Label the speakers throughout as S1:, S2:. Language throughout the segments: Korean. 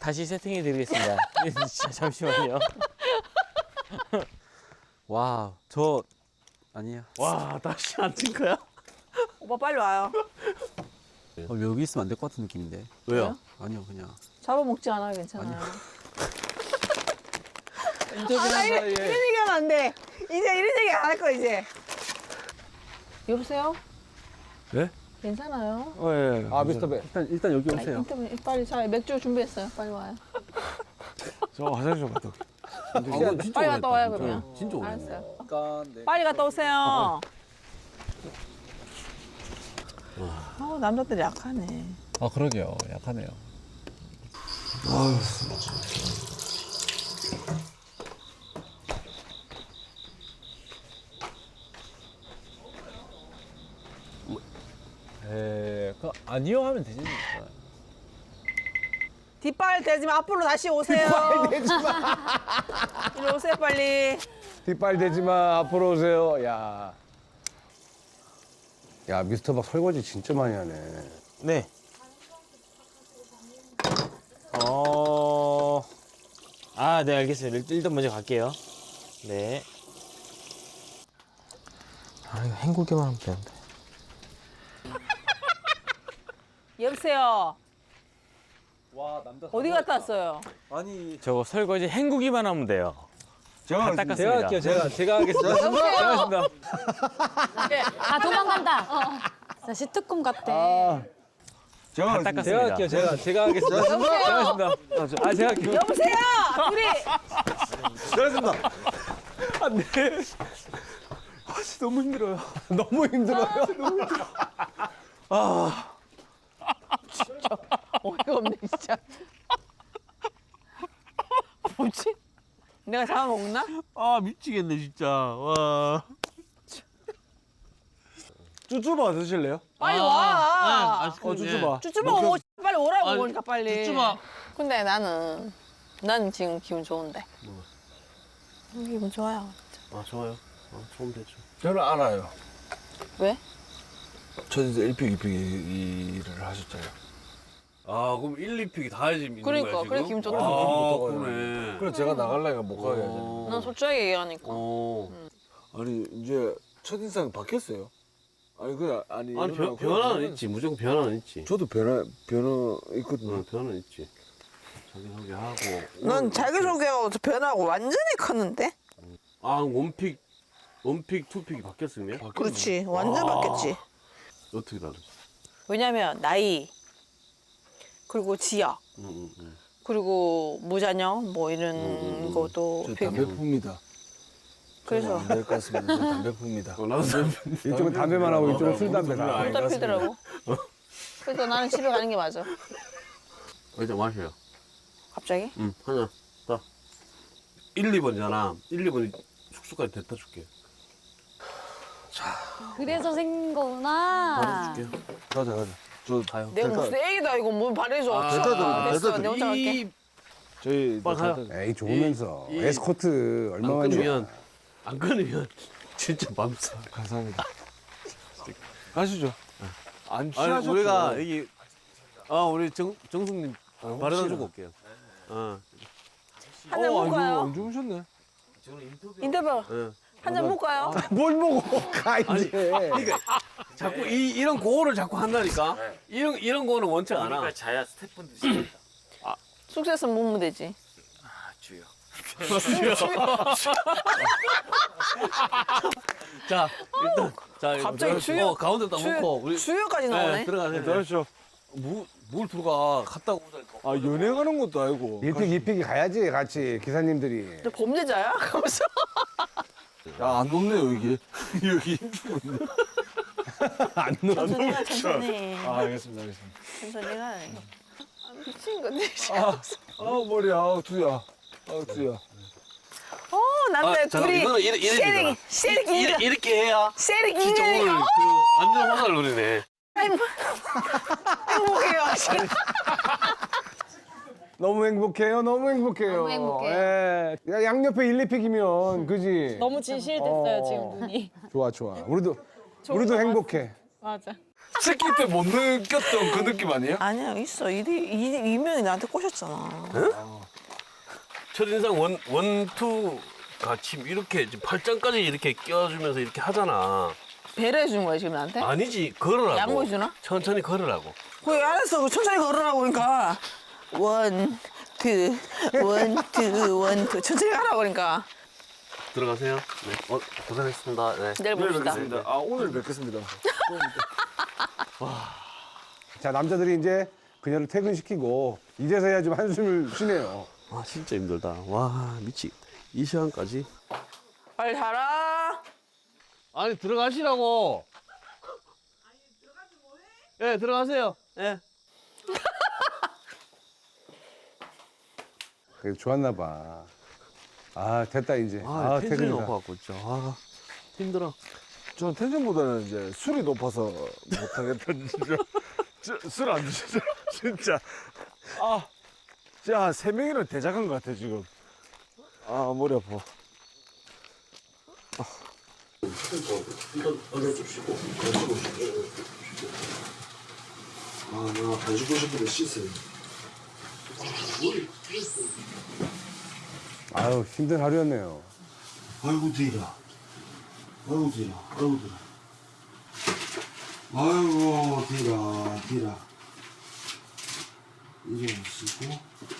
S1: 다시 세팅해 드리겠습니다. 잠시만요. 와, 저 아니에요.
S2: 와, 다시 안 찐 거야?
S3: 오빠 빨리 와요.
S4: 여기 있으면 안 될 것 같은 느낌인데.
S2: 왜요?
S4: 아니요, 그냥.
S3: 잡아먹지 않아요, 괜찮아요.
S4: 인터뷰한
S3: 이런 얘기하면 안 돼. 이제 이런 얘기 안 할 거야, 이제. 여보세요?
S2: 네?
S3: 괜찮아요?
S2: 예.
S4: 아, 미스터 배. 일단 여기
S3: 아니,
S4: 오세요.
S3: 인터뷰 빨리 자 맥주 준비했어요. 빨리 와요.
S2: 저 화장실 좀 갔다 올게요.
S3: 빨리 갔다 와요, 그러면.
S4: 진짜 오래.
S3: 알았어요.
S4: 네.
S3: 빨리 갔다 오세요. 남자들이 약하네.
S4: 아, 그러게요. 약하네요. 아니요 하면 되지.
S3: 뒷발 대지 마. 앞으로 다시 오세요.
S5: 뒷발 대지 마.
S3: 이리 오세요, 빨리.
S5: 뒷발 대지 마. 앞으로 오세요. 야. 야, 미스터 박 설거지 진짜 많이 하네.
S1: 네. 네, 알겠어요. 일단 먼저 갈게요. 네. 아, 이거 헹구기만 하면 되는데.
S3: 여보세요.
S4: 와, 남자.
S3: 어디 갔다 왔어요?
S4: 아니,
S1: 저거 설거지 헹구기만 하면 돼요. 다 닦았습니다.
S4: 제가 할게요. 제가 하겠습니다.
S3: 여보세요.
S6: 아 도망간다. 자 시트콤 같아.
S1: 다 닦았습니다.
S4: 제가 할게요. 제가 하겠습니다. 제가 하겠습니다. 제가 할게요.
S3: 여보세요. 우리
S4: 잘했습니다. 안 돼. 진짜 너무 힘들어요.
S5: 너무 힘들어요.
S3: 어이가 없네 진짜. 뭐지? 내가 잡아먹나?
S2: 아, 미치겠네, 진짜. 와. 쭈쭈바 드실래요?
S3: 빨리 와.
S2: 쭈쭈바.
S3: 쭈쭈바 오고 빨리 오라고
S2: 아니,
S3: 그러니까 빨리.
S2: 쭈쭈바.
S3: 근데 난 지금 기분 좋은데. 기분 좋아요.
S2: 아, 좋아요. 좋으면 되죠.
S7: 저는 알아요.
S3: 왜?
S7: 저 이제 1픽, 2픽 일을 하셨잖아요.
S2: 아, 그럼 1, 2픽이 다 해지면 있는
S3: 그러니까,
S2: 거야, 지금?
S3: 그래 기분 좋다.
S2: 아, 그러네.
S7: 그래서 제가 나가려니까 못 가게 하잖아요.
S3: 난 솔직하게 얘기하니까.
S7: 아니, 이제 첫인상 바뀌었어요. 아니, 그냥, 아니.
S2: 아니,
S7: 그냥
S2: 변화는 있지. 무조건 변화는 있지.
S7: 저도 변화 있거든요.
S2: 변화는 있지. 자기소개하고.
S3: 넌 자기소개하고 변하고 완전히 컸는데?
S2: 아, 원픽, 투픽이 바뀌었으면?
S3: 그렇지. 완전 바뀌었지.
S2: 어떻게 다르지?
S3: 왜냐면 나이 그리고 지역 그리고 무자녀 뭐 이런 것도
S7: 저
S3: 비-
S7: 담배 풉니다.
S3: 그래서
S7: 안될 것 같습니다. 저 담배 풉니다.
S2: 나도
S5: 이쪽은 담배만 하고 이쪽은 술 담배 다.
S7: 아니,
S3: 못 잡히더라고. 그래서 나는 집에 가는 게 맞아.
S2: 일단 마셔요.
S3: 갑자기?
S2: 응, 하나, 딱. 1, 2번이잖아. 1, 2번이 숙소까지 데려다 줄게.
S6: 그래서 생긴 거구나.
S2: 줄게요.
S7: 가자. 저
S2: 가요.
S3: 내가 무슨 애기다 이거 뭘 바래줘. 됐어. 내 혼자 갈게.
S7: 저희
S2: 빨리 가요.
S5: 에이, 좋으면서.
S2: 이-
S5: 에스코트
S2: 안
S5: 얼마만이야.
S2: 끊으면 진짜 맘싸.
S7: 감사합니다. 가시죠. 안
S2: 아니,
S7: 취하셨죠?
S2: 우리가 여기, 우리 정숙님 바래다 주고 올게요.
S3: 한잔 먹어요.
S7: 안 주무셨네.
S3: 인터뷰
S2: 응.
S3: 한잔 먹어요.
S5: 뭘 먹어, 가, 이제.
S2: 그러니까 자꾸 이런 고어를 자꾸 한다니까. 이런 거는 원칙 안 와.
S1: 자야 스태프분들 시켰다.
S3: 숙소에서 먹으면 되지.
S1: 주요.
S2: 자, 일단
S3: 갑자기 주요-
S2: 가운데 딱 놓고 우리
S3: 주요까지 나오네.
S2: 네, 들어가세요.
S7: 들어가시죠.
S2: 뭘 들어가? 갔다 오자니까.
S7: 아, 연애 가는 것도 아니고.
S5: 1픽, 2픽이 가야지, 같이, 기사님들이.
S3: 너 범죄자야? 가면서.
S7: 야, 안 높네요, 이게. 여기.
S3: 천천히 가, 천천히.
S7: 알겠습니다.
S3: 천천히 가. 미친 건데.
S7: 머리야. 두야. 두야.
S3: 남자 둘이
S2: 이거는 이래
S3: 세릭
S2: 이렇게 해야
S3: 세릭
S2: 진짜 오늘
S3: 인간이가
S2: 그 완전 화살 노리네.
S3: 행복해요.
S5: 너무 행복해요, 너무 행복해요.
S6: 너무 행복해요.
S5: 예. 야, 양옆에 1, 2픽이면, 그지?
S6: 너무 진실됐어요 지금 눈이.
S5: 좋아, 좋아. 우리도 행복해.
S6: 맞아.
S7: 새끼 때 못 느꼈던 그 느낌 아니에요?
S3: 아니야 있어. 이명이 나한테 꼬셨잖아.
S2: 첫인상 원투가 지금 이렇게 지금 팔짱까지 이렇게 껴주면서 이렇게 하잖아.
S3: 배려해 주는 거야 지금 나한테?
S2: 아니지 걸으라고.
S3: 양보해 주나?
S2: 천천히 걸으라고.
S3: 그래 알았어. 천천히 걸으라고 그러니까. 원, 투. 천천히 가라고 그러니까.
S2: 들어가세요. 네. 고생했습니다. 네.
S3: 내일 봅시다.
S7: 아 오늘 뵙겠습니다.
S5: 자, 남자들이 이제 그녀를 퇴근시키고 이제서야 좀 한숨을 쉬네요.
S2: 와 진짜 힘들다. 와 미치. 이 시간까지.
S3: 빨리 자라.
S2: 아니 들어가시라고. 예 들어가세요. 예.
S5: 그래도 좋았나 봐. 아, 됐다 이제.
S2: 아, 텐션이
S5: 퇴근이다.
S2: 높아갖고 진짜. 아 힘들어.
S7: 전 텐션보다는 이제 술이 높아서 못하겠다 진짜. 술 안 드시죠? 진짜. 아, 진짜 한 3명이나 대작한 것 같아 지금. 아 머리 아파.
S8: 나 가지고 싶은데 씻어요.
S5: 아유, 힘든 하루였네요.
S8: 아이고 뒤라. 아이고 뒤라. 아이고 뒤라. 아이고 뒤라. 이래 씻고.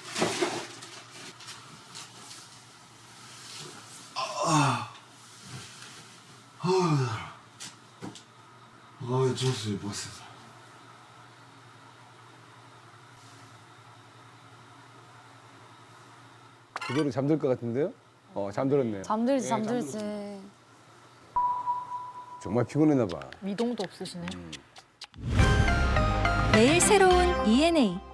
S8: 좋았어요, 봤어요.
S5: 그대로 잠들 것 같은데요? 잠들었네요.
S6: 잠들지 잠들지.
S5: 정말 피곤했나 봐.
S6: 미동도 없으시네.
S9: 매일 새로운 ENA